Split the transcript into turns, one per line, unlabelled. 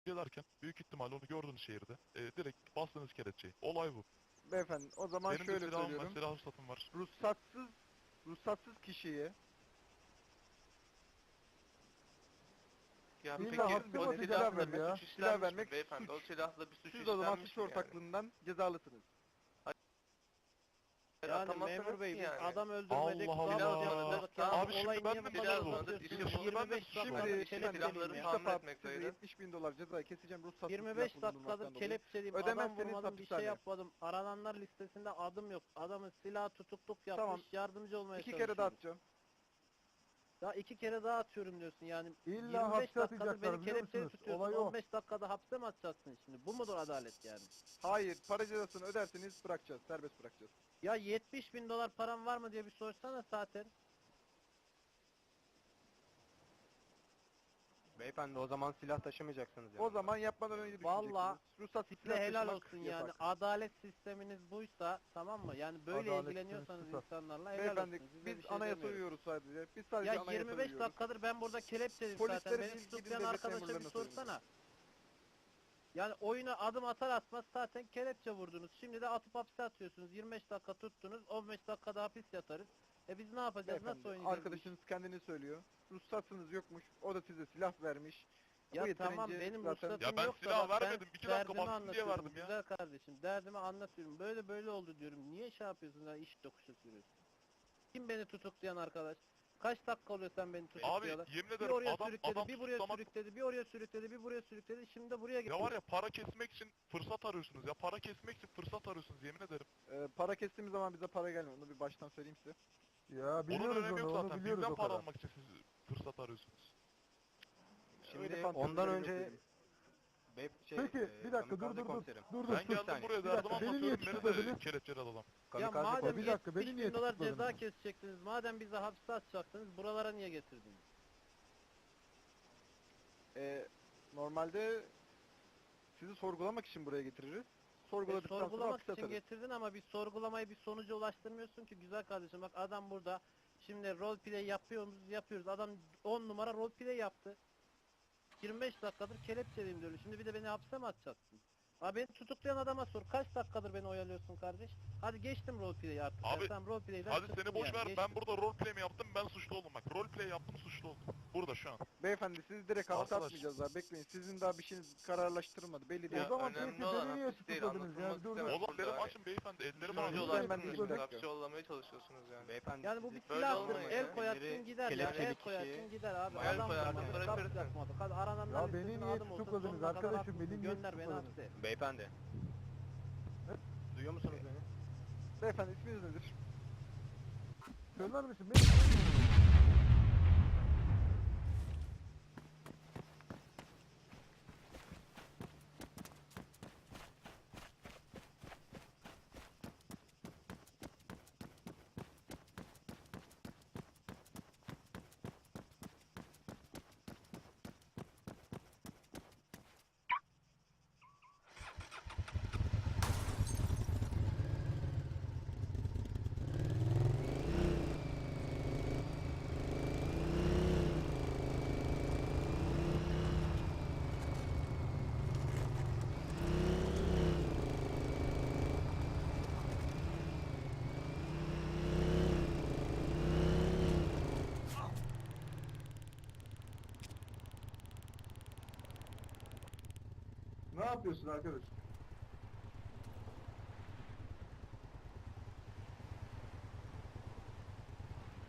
gelerken büyük ihtimalle onu gördünüz şehirde. Direkt bastınız kelepçeyi. Olay bu.
Beyefendi o zaman
Benim de
şöyle
silahım var,
söylüyorum.
silah ruhsatım var.
Ruhsatsız kişiye
Ya
İlla
peki
hapse
o
atacaklar
silahla bir
ya.
suç
Silah
işlenmiş
vermek
mi beyefendi?
suç.
O silahla bir suç
siz o zaman
işlenmiş
suç
mi yani?
ortaklığından cezalısınız.
Hayır,
Yani
atamazsınız
memur bey
ki
biz
yani.
adam öldürmedik,
Allah
zabıt
Allah.
yapmadık.
Tamam.
Yani
Abi şimdi
olayı
ben
niye
mi
bu kadar
suçluyum?
uzatıyorsunuz?
İşte bunu
25
ben
dakikadır
de
Şimdi
silahları
kelepçeliyim
bir
ya.
tahmin
defa
etmekteydim.
size 70.000 dolar ceza keseceğim ruhsatsız
25
silah bulundurmaktan
dakikadır
dolayı.
kelepçeliyim, adam
Ödemezseniz
vurmadım, bir şey
hapishane.
yapmadım. Arananlar listesinde adım yok. Adamın silah tutukluk yapmış,
Tamam.
yardımcı olmaya
2
çalışıyorum.
kere daha atacağım.
Ya 2 kere daha atıyorum diyorsun yani.
İlla
25
hapse
dakikadır
atacaklar
beni
biliyor
kelepçeye
musunuz?
tutuyorsun.
Olay o.
15 dakikada hapse mi atacaksın şimdi? Bu mudur adalet yani?
Hayır, para cezasını öderseniz bırakacağız, serbest bırakacağız.
Ya 70.000 dolar param var mı diye bir sorsana zaten.
Beyefendi o zaman silah taşımayacaksınız yani.
O zaman yapmadan önce düşüneceksiniz.
Vallahi
Ruhsatsız
Size
silah
helal
taşımak
olsun
yasak.
yani. Adalet sisteminiz buysa tamam mı? Yani böyle
Adalet
ilgileniyorsanız
sistemi
insanlarla helal
Beyefendi
olsun. Size
biz
bir şey
anayasa
demiyorum.
uyuyoruz sadece. Biz sadece
Ya
anayasa
25
uyuyoruz.
dakikadır ben burada kelepçeliyim
Polisleri
zaten. Beni
biz gidin
tutuklayan
devlet
arkadaşa bir
memurlarına söyleyin.
sorsana. Yani oyuna adım atar atmaz zaten kelepçe vurdunuz. Şimdi de atıp hapse atıyorsunuz. 25 dakika tuttunuz. 15 dakikada hapis yatarız. Biz ne yapacağız? Nasıl
Beyefendi
oynayacağız?
arkadaşınız kendini söylüyor. Ruhsatsınız yokmuş. O da size silah vermiş.
Ya
Bu
tamam
yeterince
benim
zaten-
ruhsatım
Ya ben
yok da
silah
bak,
vermedim.
ben
2 dakika
derdimi
baktım diye
anlatıyorum
verdim ya.
güzel kardeşim. Derdimi anlatıyorum. Böyle böyle oldu diyorum. Niye şey yapıyorsun ya iş dokuşu sürüyorsun? Kim beni tutuklayan arkadaş? Kaç dakika oluyor sen beni
Abi
tutukluyorlar?
yemin
Bir
ederim
oraya
adam
sürükledi, bir buraya
tutuklamak...
sürükledi, bir oraya sürükledi, bir buraya sürükledi. Şimdi de buraya
Ya
getiriyor.
var ya para kesmek için fırsat arıyorsunuz ya. Para kesmek için fırsat arıyorsunuz yemin ederim.
Para kestiğimiz zaman bize para gelmiyor. Onu bir baştan söyleyeyim size.
Ya
Onun
biliyoruz
önemi
onu,
yok
onu
zaten.
biliyoruz
Bizden
o
para
kadar.
almak için siz fırsat arıyorsunuz.
Öyle
Şimdi
fantezileri
ondan
yok
önce
dedim.
Peki bir dakika dur
kamikaze
dur dur.
komiserim.
Dur
Ben
sus.
geldim buraya
Bir dakika,
derdim
beni niye
anlatıyorum. Beni de
tutukladınız?
kelepçeledi adam.
Ya
Kamikaze
madem
komiserim.
Bir dakika, beni
70
niye
bin dolar ceza
tutukladınız?
kesecektiniz, madem bizi hapse atacaktınız, buralara niye getirdiniz?
Normalde sizi sorgulamak için buraya getiririz. Sorguladıktan sonra
Sorgulamak
hapse
için
atarız.
getirdin ama bir sorgulamayı bir sonuca ulaştırmıyorsun ki güzel kardeşim. Bak adam burada, şimdi roleplay yapıyoruz. Adam 10 numara roleplay yaptı. 25 dakikadır kelepçeliyim diyorum. Şimdi bir de beni hapse mi atacaksın? Abi beni tutuklayan adama sor. Kaç dakikadır beni oyalıyorsun kardeş? Hadi geçtim roleplay'i artık.
Abi,
Sen roleplay'den
Hadi
çıktın
seni boş
yani,
ver.
geçtim.
Ben burada roleplay mi yaptım? Ben suçlu oldum bak. Roleplay yaptım suçlu oldum. Burada şu an.
Beyefendi sizi direkt hapse
Arkadaş.
atmayacağız daha bekleyin. Sizin daha bir şeyiniz kararlaştırılmadı. Belli değil.
O zaman
önemli
peki
olan
beni niye
hapis değil,
tutukladınız ya?
anlatılmak
Dur dur.
istemem.
Oğlum benim
Burada-
açım beyefendi. Ellerim
Sonucu
ağrıyor.
olarak
Ben değilim, bir
siz
dakika.
hapse yollamaya çalışıyorsunuz yani.
Beyefendi
Yani bu bir
sizi-
Böyle
silahtır.
olmayın
El
ya.
koyarsın
Elleri
gider ya.
kelepçeli
El
kişi-
koyarsın gider abi.
El
Adam
koyarsın,
vurmadı, kap
bırakırsın.
yapmadı. Hadi arananlar
Ya beni
listesine
niye
adım olsun,
tutukladınız
sonuna kadar
arkadaşım?
haklısın.
Beni niye
Gönder beni
tutukladınız?
hapse.
Beyefendi. Duyuyor musunuz beni?
Beyefendi isminiz nedir?
Söyler misin? Beni Ne yapıyorsun arkadaş?